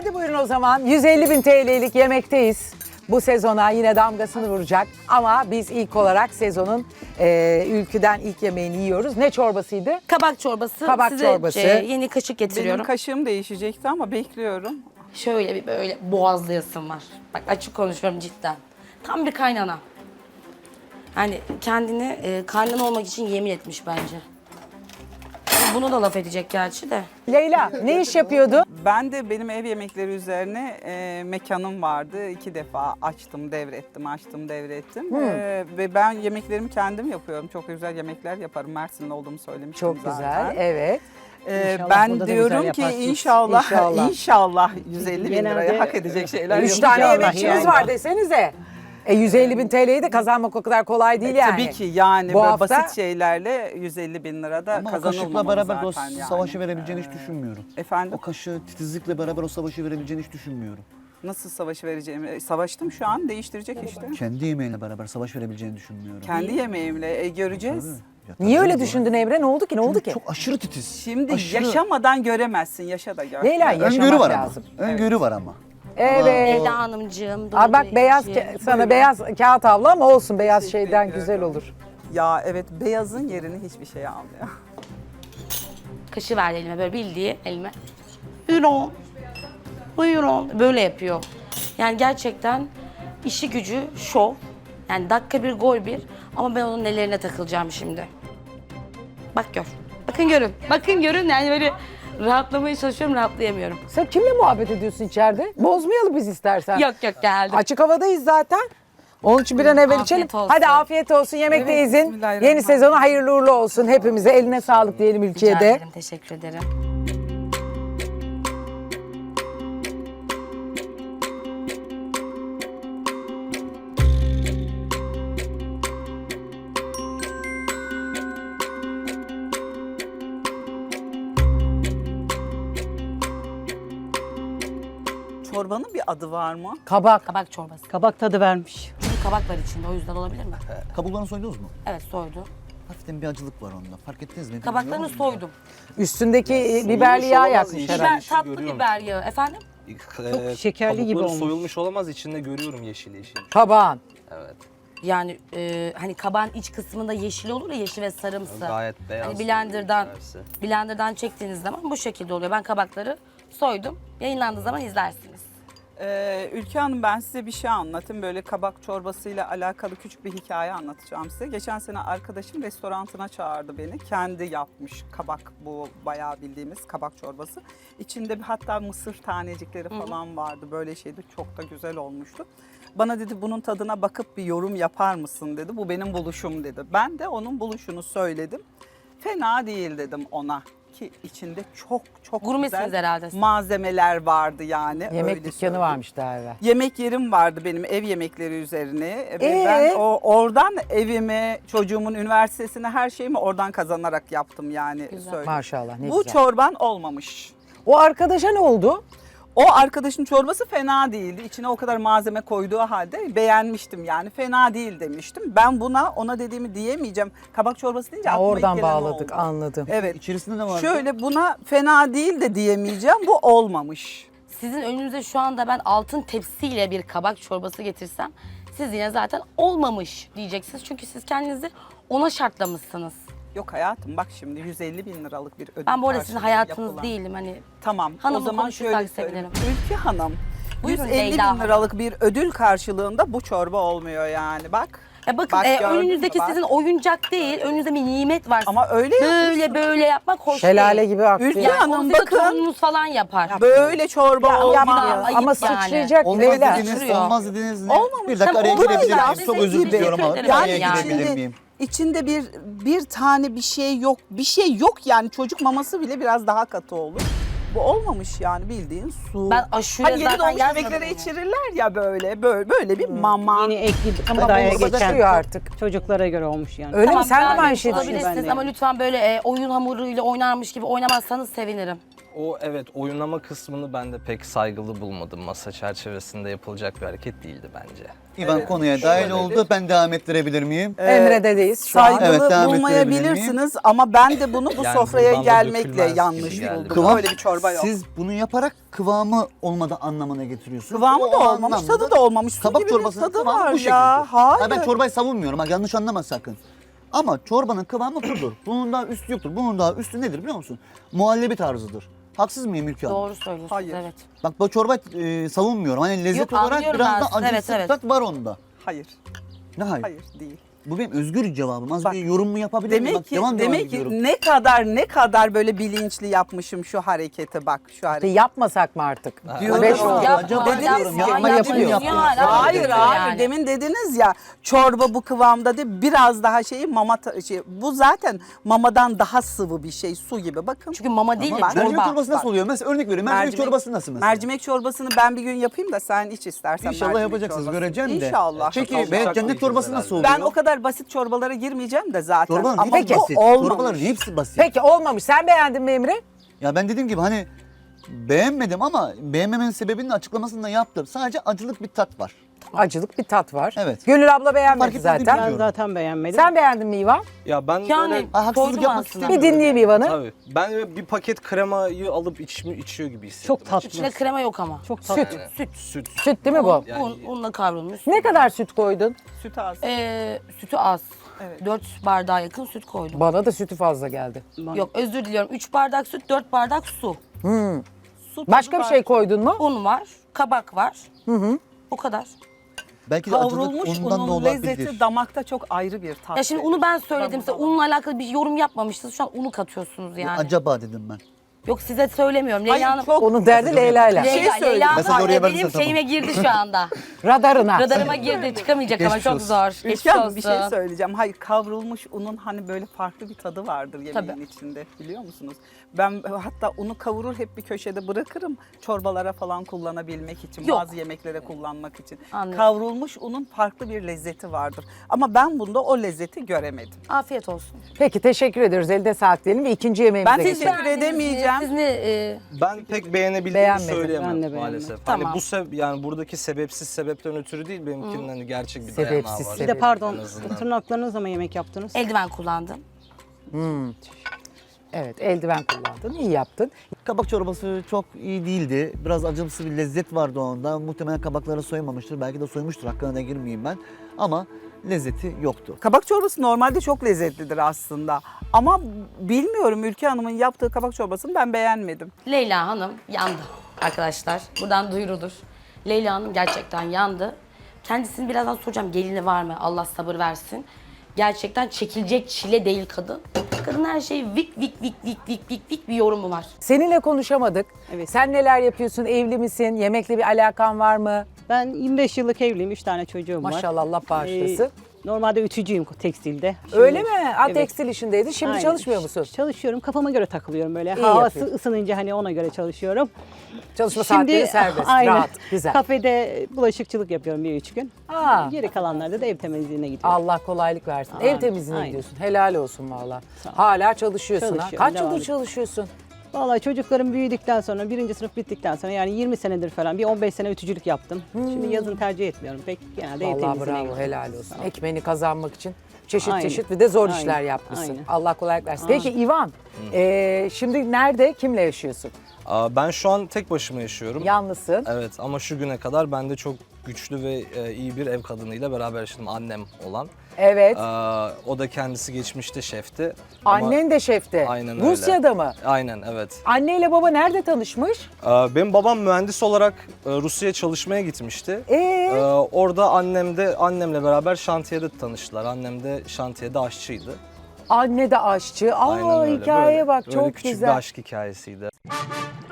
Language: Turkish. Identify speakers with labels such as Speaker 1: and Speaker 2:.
Speaker 1: Hadi buyurun o zaman. 150.000 TL'lik yemekteyiz. Bu sezona yine damgasını vuracak. Ama biz ilk olarak sezonun ülküden ilk yemeğini yiyoruz. Ne çorbasıydı?
Speaker 2: Kabak çorbası.
Speaker 1: Kabak
Speaker 2: Size
Speaker 1: çorbası.
Speaker 2: yeni kaşık getiriyorum.
Speaker 3: Benim kaşığım değişecekti ama bekliyorum.
Speaker 2: Şöyle bir böyle boğazlayasım var. Bak açık konuşuyorum cidden. Tam bir kaynana. Hani kendini kaynana olmak için yemin etmiş bence. Bunu da laf edecek gerçi de.
Speaker 1: Leyla ne iş yapıyordu?
Speaker 3: Ben de benim ev yemekleri üzerine mekanım vardı. 2 defa açtım, devrettim, açtım, devrettim. Ve ben yemeklerimi kendim yapıyorum. Çok güzel yemekler yaparım. Mersin'de olduğumu söylemiştim
Speaker 1: Çok
Speaker 3: zaten.
Speaker 1: güzel, evet.
Speaker 4: İnşallah
Speaker 3: Ben
Speaker 4: burada da
Speaker 3: diyorum
Speaker 4: güzel
Speaker 3: ki
Speaker 4: yaparsınız.
Speaker 3: inşallah 150 bin
Speaker 4: Genelde
Speaker 3: liraya hak edecek şeyler
Speaker 1: 3 tane
Speaker 4: İnşallah
Speaker 1: yemekçiniz
Speaker 4: yani.
Speaker 1: var desenize. 150.000 TL'yi de kazanmak o kadar kolay değil yani.
Speaker 3: Tabii ki yani
Speaker 1: Bu
Speaker 3: böyle
Speaker 1: hafta-
Speaker 3: basit şeylerle 150 bin lirada
Speaker 5: Ama o kaşıkla
Speaker 3: kazanılmamalı
Speaker 5: beraber o
Speaker 3: zaten yani.
Speaker 5: savaşı verebileceğini hiç düşünmüyorum.
Speaker 3: Efendim?
Speaker 5: O kaşığı titizlikle beraber o savaşı verebileceğini hiç düşünmüyorum.
Speaker 3: Nasıl savaşı vereceğimi savaştım şu an değiştirecek işte.
Speaker 5: Kendi yemeğiyle beraber savaş verebileceğini düşünmüyorum.
Speaker 3: Kendi yemeğimle göreceğiz.
Speaker 5: Ya
Speaker 1: Niye
Speaker 5: tabii
Speaker 1: öyle
Speaker 5: doğru.
Speaker 1: düşündün Emre? Ne oldu ki? Ne oldu
Speaker 5: Çünkü
Speaker 1: ki?
Speaker 5: çok aşırı titiz.
Speaker 3: Şimdi
Speaker 5: Aşırı-
Speaker 3: yaşamadan göremezsin, yaşa da gör.
Speaker 1: Leyla yaşamak
Speaker 5: Öngörü var
Speaker 1: lazım.
Speaker 5: ama. Öngörü var ama.
Speaker 1: Evet.
Speaker 2: Leyla Hanımcığım.
Speaker 1: Aa, bak
Speaker 2: doğru
Speaker 1: beyaz
Speaker 2: kişi.
Speaker 1: sana beyaz kağıt havlu ama olsun beyaz
Speaker 3: Teşekkür
Speaker 1: şeyden
Speaker 3: ederim.
Speaker 1: güzel olur.
Speaker 3: Ya evet, beyazın yerini hiçbir şey almıyor.
Speaker 2: Kaşı verdi elime böyle bildiği elime. Buyurun. Buyurun. Böyle yapıyor. Yani gerçekten işi gücü şov. Yani dakika bir gol bir. Ama ben onun nelerine takılacağım şimdi. Bak gör. Bakın görün. Bakın görün yani böyle rahatlamaya çalışıyorum rahatlayamıyorum.
Speaker 1: Sen kimle muhabbet ediyorsun içeride? Bozmayalım biz istersen.
Speaker 2: Yok geldim.
Speaker 1: Açık havadayız zaten. Onun için bir an evvel
Speaker 2: Afiyet
Speaker 1: içelim.
Speaker 2: olsun.
Speaker 1: Hadi afiyet olsun. Yemekteyizin.
Speaker 3: bismillahirrahmanirrahim.
Speaker 1: Yeni sezonu hayırlı uğurlu olsun hepimize. Eline sağlık diyelim
Speaker 2: Rica
Speaker 1: ülkeye de.
Speaker 2: ederim, teşekkür ederim.
Speaker 3: Çorbanın bir adı var mı?
Speaker 1: Kabak.
Speaker 2: Kabak çorbası.
Speaker 4: Kabak tadı vermiş.
Speaker 2: Çünkü kabak var içinde o yüzden olabilir mi?
Speaker 5: Kabuklarını soydunuz mu?
Speaker 2: Evet soydu.
Speaker 5: Hafiften bir acılık var onda. Fark ettiniz mi?
Speaker 2: Kabaklarını
Speaker 5: Bilmiyorum.
Speaker 2: soydum.
Speaker 1: Biberli biberli yağ
Speaker 6: olamaz
Speaker 1: yakmış
Speaker 6: inşallah.
Speaker 1: herhalde.
Speaker 2: Biber, tatlı
Speaker 6: görüyorum.
Speaker 2: biber yağı. Efendim?
Speaker 4: Çok şekerli gibi
Speaker 6: kabukları
Speaker 4: olmuş.
Speaker 6: soyulmuş olamaz, içinde görüyorum yeşil yeşil.
Speaker 1: Kabağın.
Speaker 6: Evet.
Speaker 2: Yani hani kabağın iç kısmında yeşil olur ya yeşil ve sarımsı.
Speaker 6: Gayet beyaz.
Speaker 2: Hani blenderdan
Speaker 6: içerisi.
Speaker 2: çektiğiniz zaman bu şekilde oluyor. Ben kabakları soydum. Yayınlandığı zaman izlersiniz.
Speaker 3: Ülke Hanım, ben size bir şey anlatayım. Böyle kabak çorbasıyla alakalı küçük bir hikaye anlatacağım size. Geçen sene arkadaşım restorantına çağırdı beni. Kendi yapmış kabak, bu bayağı bildiğimiz kabak çorbası. İçinde hatta mısır tanecikleri falan vardı. Böyle şeydi, çok da güzel olmuştu. Bana dedi bunun tadına bakıp bir yorum yapar mısın dedi. Bu benim buluşum dedi. Ben de onun buluşunu söyledim. Fena değil dedim ona. Ki içinde çok
Speaker 2: Gurmesiniz
Speaker 3: güzel
Speaker 2: herhalde.
Speaker 3: malzemeler vardı yani.
Speaker 1: Yemek
Speaker 3: öyle
Speaker 1: dükkanı
Speaker 3: söyleyeyim.
Speaker 1: varmış daha evvel.
Speaker 3: Yemek yerim vardı benim, ev yemekleri üzerine. Ve ben oradan evimi, çocuğumun üniversitesine, her şeyimi oradan kazanarak yaptım yani. söyleyeyim.
Speaker 1: Maşallah ne
Speaker 3: Bu
Speaker 1: güzel.
Speaker 3: çorban olmamış.
Speaker 1: O arkadaşa ne oldu?
Speaker 3: O arkadaşın çorbası fena değildi. İçine o kadar malzeme koyduğu halde beğenmiştim yani. Fena değil demiştim. Ben ona dediğimi diyemeyeceğim. Kabak çorbası deyince aklıma ilk
Speaker 1: Oradan
Speaker 3: gelen o
Speaker 1: bağladık
Speaker 3: oldu.
Speaker 1: anladım.
Speaker 3: Evet.
Speaker 5: İçerisinde ne var?
Speaker 3: Şöyle buna fena değil de diyemeyeceğim. Bu olmamış.
Speaker 2: Sizin önünüze şu anda ben altın tepsiyle bir kabak çorbası getirsem siz yine zaten olmamış diyeceksiniz. Çünkü siz kendinizi ona şartlamışsınız.
Speaker 3: Yok hayatım, bak şimdi 150 bin liralık bir ödül
Speaker 2: Ben bu arada sizin
Speaker 3: karşılığı
Speaker 2: hayatınız
Speaker 3: yapılan.
Speaker 2: değilim hani.
Speaker 3: Tamam.
Speaker 2: Hanımla
Speaker 3: o zaman
Speaker 2: konuşursak
Speaker 3: şöyle söyleyeyim.
Speaker 2: sevinirim.
Speaker 3: Ülke Hanım,
Speaker 2: Buyurun
Speaker 3: 150
Speaker 2: Leyla
Speaker 3: bin
Speaker 2: Hanım.
Speaker 3: liralık bir ödül karşılığında bu çorba olmuyor yani. Bak.
Speaker 2: Bakın
Speaker 3: Bak, gördün mü?
Speaker 2: önünüzdeki
Speaker 3: Bak.
Speaker 2: sizin oyuncak değil, önünüzde bir nimet var.
Speaker 3: Ama öyle yapıyorsun.
Speaker 2: böyle yapmak hoş
Speaker 1: Şelale
Speaker 2: değil.
Speaker 1: gibi aktı.
Speaker 3: Ülke
Speaker 2: Yani
Speaker 3: Hanım,
Speaker 2: onu sizin
Speaker 3: bakın.
Speaker 2: torununuz falan yapar.
Speaker 3: Böyle çorba olmaz.
Speaker 2: yapma. Ayıp
Speaker 1: Ama
Speaker 2: yani.
Speaker 1: sıçrayacak
Speaker 5: Olmaz
Speaker 1: Leyla.
Speaker 5: dediniz,
Speaker 2: Şuraya.
Speaker 5: olmaz dediniz ne?
Speaker 3: Olmamış.
Speaker 5: Bir dakika araya
Speaker 3: Olmaz
Speaker 5: girebilir
Speaker 3: ya.
Speaker 5: miyim? Çok
Speaker 2: Size
Speaker 5: özür diliyorum ama
Speaker 2: teşekkür ederim
Speaker 5: araya
Speaker 2: yani.
Speaker 5: girebilir miyim?
Speaker 3: İçinde bir tane bir şey yok. Bir şey yok yani, çocuk maması bile biraz daha katı olur. Bu olmamış yani, bildiğin su.
Speaker 2: Ben aşure
Speaker 3: Hani yeni
Speaker 2: zaten
Speaker 3: doğmuş
Speaker 2: yazmadım
Speaker 3: bebeklere
Speaker 2: yani.
Speaker 3: içirirler ya böyle bir mama.
Speaker 4: Yeni ekli
Speaker 1: Ama
Speaker 4: gıdaya
Speaker 1: bu
Speaker 4: geçen
Speaker 1: başlıyor artık.
Speaker 4: çocuklara göre olmuş yani.
Speaker 1: Öyle mi? Sen de mi
Speaker 2: yani
Speaker 1: aynı şeyi
Speaker 2: olabilirsiniz
Speaker 1: düşünüyorsun?
Speaker 4: Ben de.
Speaker 2: ama lütfen böyle oyun hamuruyla oynarmış gibi oynamazsanız sevinirim.
Speaker 6: O evet oyunlama kısmını ben de pek saygılı bulmadım. Masa çerçevesinde yapılacak bir hareket değildi bence.
Speaker 5: İvan
Speaker 3: Evet,
Speaker 5: konuya dahil
Speaker 3: şöyledir.
Speaker 5: oldu. Ben devam ettirebilir miyim?
Speaker 1: Emre'deyiz şu an.
Speaker 3: Saygılı
Speaker 5: Evet, devam
Speaker 3: bulmayabilirsiniz ama ben de bunu bu
Speaker 6: Yani
Speaker 3: sofraya
Speaker 6: buradan da
Speaker 3: gelmekle
Speaker 6: dökülmez gibi
Speaker 3: yanlış
Speaker 6: geldi
Speaker 3: buldum.
Speaker 6: bana.
Speaker 3: Öyle bir çorba yok.
Speaker 5: Siz bunu yaparak kıvamı olmadığı anlamına getiriyorsunuz.
Speaker 3: Kıvamı
Speaker 5: O
Speaker 3: da olmamış,
Speaker 5: anlamda
Speaker 3: tadı da olmamış. Su
Speaker 5: Kabak
Speaker 3: gibi bir
Speaker 5: çorbasının
Speaker 3: tadı
Speaker 5: kıvamı
Speaker 3: var
Speaker 5: bu
Speaker 3: ya.
Speaker 5: şekilde.
Speaker 3: Hayır.
Speaker 5: Ben çorbayı savunmuyorum. Bak yanlış anlama sakın. Ama çorbanın kıvamı budur. Bunun daha üstü yoktur. Bunun daha üstü nedir biliyor musun? Muhallebi tarzıdır. Haksız mıyım Ülke Hanım?
Speaker 2: Doğru söylüyorsunuz.
Speaker 3: Hayır.
Speaker 2: Evet.
Speaker 5: Bak bu çorba savunmuyorum. Hani lezzet
Speaker 2: Yok,
Speaker 5: olarak
Speaker 2: anlıyorum
Speaker 5: biraz
Speaker 2: ben
Speaker 5: da
Speaker 2: sizi.
Speaker 5: acısı
Speaker 2: Evet,
Speaker 5: tat var onda.
Speaker 3: Hayır,
Speaker 5: Ne hayır?
Speaker 3: hayır değil.
Speaker 5: Bu benim özgür cevabım. Az
Speaker 3: Bak,
Speaker 5: bir yorum mu yapabilir miyim?
Speaker 3: Demek
Speaker 5: Bak,
Speaker 3: ki
Speaker 5: devam
Speaker 3: demek
Speaker 5: ediyorum.
Speaker 3: ki ne kadar böyle bilinçli yapmışım şu hareketi bak şu hareketi.
Speaker 1: Yapmasak mı artık?
Speaker 3: Diyorum.
Speaker 1: 5 oldu.
Speaker 5: Acaba
Speaker 3: Dediniz
Speaker 5: diyorum,
Speaker 3: ya,
Speaker 5: yapma yapayım
Speaker 2: yapıyorsun
Speaker 5: yaptım.
Speaker 2: ya, hala
Speaker 3: Hayır
Speaker 2: yapıyorsun
Speaker 3: abi
Speaker 2: yani.
Speaker 3: demin dediniz ya çorba bu kıvamda değil biraz daha bu zaten mamadan daha sıvı bir şey su gibi bakın.
Speaker 2: Çünkü mama değil de
Speaker 3: Ama
Speaker 5: Mercimek
Speaker 2: çorba.
Speaker 5: çorbası nasıl
Speaker 3: Bak.
Speaker 5: oluyor? Mesela örnek veriyorum. Mercimek çorbası nasıl mesela?
Speaker 3: Mercimek çorbasını ben bir gün yapayım da sen iç istersen.
Speaker 5: İnşallah
Speaker 3: mercimek
Speaker 5: yapacaksınız.
Speaker 3: çorbası.
Speaker 5: Göreceğim de.
Speaker 3: İnşallah.
Speaker 5: Peki
Speaker 6: Çatal bıçak
Speaker 5: cennet
Speaker 6: yiyeceğiz
Speaker 5: çorbası nasıl oluyor?
Speaker 3: Ben o kadar basit çorbalara girmeyeceğim de zaten.
Speaker 5: Çorbaların
Speaker 3: Ama
Speaker 5: hepsi
Speaker 3: bu
Speaker 5: basit.
Speaker 3: olmamış.
Speaker 5: Çorbaların hepsi basit.
Speaker 1: Peki olmamış. Sen beğendin mi Emre?
Speaker 5: Ya ben dediğim gibi hani beğenmedim ama beğenmemenin sebebinin açıklamasını da yaptım. Sadece acılık bir tat var.
Speaker 1: Acılık bir tat var.
Speaker 5: Evet.
Speaker 1: Gönül abla
Speaker 5: Fark
Speaker 1: beğenmedi
Speaker 5: etmedi
Speaker 1: zaten.
Speaker 5: bilmiyorum.
Speaker 4: Ben zaten beğenmedim.
Speaker 1: Sen beğendin mi İvan?
Speaker 6: Ya ben
Speaker 2: Yani
Speaker 6: böyle
Speaker 5: haksızlık
Speaker 2: koydum
Speaker 5: yapmak
Speaker 2: aslında.
Speaker 1: Bir
Speaker 5: istemiyorum.
Speaker 1: dinleyeyim İvan'ı.
Speaker 6: tabii ben böyle bir paket kremayı alıp içiyor gibi hissettim.
Speaker 4: Çok tatlı.
Speaker 2: İçinde krema yok ama.
Speaker 4: Çok tatlı.
Speaker 1: Süt.
Speaker 6: Süt.
Speaker 1: Süt değil mi bu?
Speaker 6: Yani-
Speaker 2: Unla kavrulmuş.
Speaker 1: Ne kadar süt koydun?
Speaker 3: Süt az.
Speaker 2: Sütü az.
Speaker 3: Evet.
Speaker 2: 4 bardağa yakın süt koydum.
Speaker 1: Bana da sütü fazla geldi.
Speaker 2: Yok özür diliyorum. 3 bardak süt, 4 bardak su.
Speaker 3: Su
Speaker 1: Başka
Speaker 3: tadı
Speaker 1: bir
Speaker 3: var.
Speaker 1: şey koydun mu?
Speaker 2: Un var, kabak var. O kadar.
Speaker 5: Belki de acılık
Speaker 3: Kavrulmuş
Speaker 5: ondan da
Speaker 3: unun
Speaker 5: olabilir.
Speaker 3: lezzeti damakta çok ayrı bir tat.
Speaker 2: Ya şimdi
Speaker 3: verir.
Speaker 2: unu ben söyledim size.
Speaker 3: Ben bunu-
Speaker 2: Unla alakalı bir yorum yapmamıştınız. Şu an unu katıyorsunuz yani.
Speaker 5: Acaba dedim ben.
Speaker 2: Yok size söylemiyorum.
Speaker 3: Hayır,
Speaker 2: Leyla Hanım...
Speaker 3: çok-
Speaker 1: Onun derdi Leyla'yla.
Speaker 3: şey
Speaker 2: Leyla,
Speaker 3: söyleyeyim.
Speaker 2: Leyla Hanım
Speaker 5: Mesaj oraya
Speaker 2: benim
Speaker 5: verirsen tamam.
Speaker 2: şeyime girdi şu anda.
Speaker 1: Radarına.
Speaker 2: Radarıma girdi. Çıkamayacak ama
Speaker 5: Geçmiş
Speaker 2: çok
Speaker 5: olsun.
Speaker 2: zor.
Speaker 3: Ülke
Speaker 2: Geçmiş
Speaker 3: Hanım bir şey
Speaker 2: olsun.
Speaker 3: söyleyeceğim. Hayır kavrulmuş unun hani böyle farklı bir tadı vardır yemeğin
Speaker 2: Tabii.
Speaker 3: içinde biliyor musunuz? Ben hatta unu kavurur hep bir köşede bırakırım çorbalara falan kullanabilmek için,
Speaker 2: Yok.
Speaker 3: bazı yemeklere kullanmak için.
Speaker 2: Anlıyorum.
Speaker 3: Kavrulmuş unun farklı bir lezzeti vardır. Ama ben bunda o lezzeti göremedim.
Speaker 2: Afiyet olsun.
Speaker 1: Peki teşekkür ediyoruz. Elde sağlık diyelim ve ikinci yemeğimize
Speaker 3: Ben
Speaker 1: geçelim.
Speaker 3: teşekkür edemeyeceğim.
Speaker 2: Siz ne...
Speaker 6: Ben pek beğenebildiğimi
Speaker 1: Beğenmedim.
Speaker 6: söyleyemem
Speaker 4: Ben de beğenmedim.
Speaker 6: maalesef.
Speaker 2: Tamam.
Speaker 6: Hani yani buradaki sebepsiz sebepten ötürü değil benimkinin hani gerçek bir
Speaker 1: Sebepsiz
Speaker 6: dayanağı var.
Speaker 4: Bir de pardon,
Speaker 6: En azından.
Speaker 4: tırnaklarınızla mı yemek yaptınız?
Speaker 2: eldiven kullandım.
Speaker 1: Evet eldiven kullandın. İyi yaptın.
Speaker 5: Kabak çorbası çok iyi değildi. Biraz acımsı bir lezzet vardı onda. Muhtemelen kabakları soymamıştır. Belki de soymuştur. Hakkına da girmeyeyim ben. Ama lezzeti yoktu.
Speaker 3: Kabak çorbası normalde çok lezzetlidir aslında. Ama bilmiyorum Ülke Hanım'ın yaptığı kabak çorbasını ben beğenmedim.
Speaker 2: Leyla Hanım yandı arkadaşlar. Buradan duyurulur. Leyla Hanım gerçekten yandı. Kendisini birazdan soracağım gelini var mı? Allah sabır versin. Gerçekten çekilecek çile değil kadın. Kadın her şeyi vik vik vik vik vik vik vik bir yorumu var.
Speaker 1: Seninle konuşamadık.
Speaker 4: Evet.
Speaker 1: Sen neler yapıyorsun? Evli misin? Yemekle bir alakan var mı?
Speaker 4: Ben 25 yıllık evliyim, 3 tane çocuğum var.
Speaker 1: Maşallah Allah bağışlasın.
Speaker 4: Normalde ütücüyüm tekstilde. Şimdi-
Speaker 1: Öyle mi? Ha,
Speaker 4: Evet.
Speaker 1: tekstil işindeydin. Şimdi
Speaker 4: Aynen.
Speaker 1: çalışmıyor musun?
Speaker 4: Çalışıyorum. Kafama göre takılıyorum böyle.
Speaker 1: İyi
Speaker 4: Havası
Speaker 1: yapıyorsun.
Speaker 4: ısınınca hani ona göre çalışıyorum.
Speaker 1: Çalışma saatleri serbest,
Speaker 4: aynen,
Speaker 1: rahat, güzel.
Speaker 4: Kafede bulaşıkçılık yapıyorum 1-3 gün.
Speaker 1: Aa.
Speaker 4: Geri kalanlarda da ev temizliğine gidiyorum.
Speaker 1: Allah kolaylık versin.
Speaker 4: Amin.
Speaker 1: Ev temizliğine
Speaker 4: Aynen.
Speaker 1: gidiyorsun. Helal olsun valla.
Speaker 4: Sağ ol.
Speaker 1: Hala çalışıyorsun ha.
Speaker 4: Çalışıyorum,
Speaker 1: Kaç
Speaker 4: devam
Speaker 1: yıldır
Speaker 4: ediyorum.
Speaker 1: çalışıyorsun?
Speaker 4: Vallahi çocuklarım büyüdükten sonra, 1. sınıf bittikten sonra yani 20 senedir falan bir 15 sene ütücülük yaptım. Şimdi yazın tercih etmiyorum pek. Genelde ev
Speaker 1: Vallahi
Speaker 4: temizliğine
Speaker 1: bravo
Speaker 4: gidiyorum.
Speaker 1: helal olsun. Ekmeğini kazanmak için çeşit
Speaker 4: Aynen.
Speaker 1: çeşit bir de zor
Speaker 4: Aynen.
Speaker 1: işler yapmışsın.
Speaker 4: Aynen.
Speaker 1: Allah kolaylık versin. Peki İvan, şimdi nerede, kimle yaşıyorsun?
Speaker 6: Ben şu an tek başıma yaşıyorum.
Speaker 1: Yalnızsın.
Speaker 6: Evet ama şu güne kadar ben de çok güçlü ve iyi bir ev kadınıyla beraber yaşadım. Annem olan.
Speaker 1: Evet.
Speaker 6: O da kendisi geçmişte şefti. Ama-
Speaker 1: Annen de şefti.
Speaker 6: Aynen öyle.
Speaker 1: Rusya'da mı?
Speaker 6: Aynen evet.
Speaker 1: Anneyle baba nerede tanışmış?
Speaker 6: Benim babam mühendis olarak Rusya'ya çalışmaya gitmişti. Orada annemle beraber şantiyede tanıştılar. Annem de şantiyede aşçıydı.
Speaker 1: Anne de aşçı. Aa
Speaker 6: Aynen öyle.
Speaker 1: hikayeye
Speaker 6: Böyle-
Speaker 1: bak
Speaker 6: böyle
Speaker 1: çok
Speaker 6: küçük
Speaker 1: güzel.
Speaker 6: bir aşk hikayesiydi.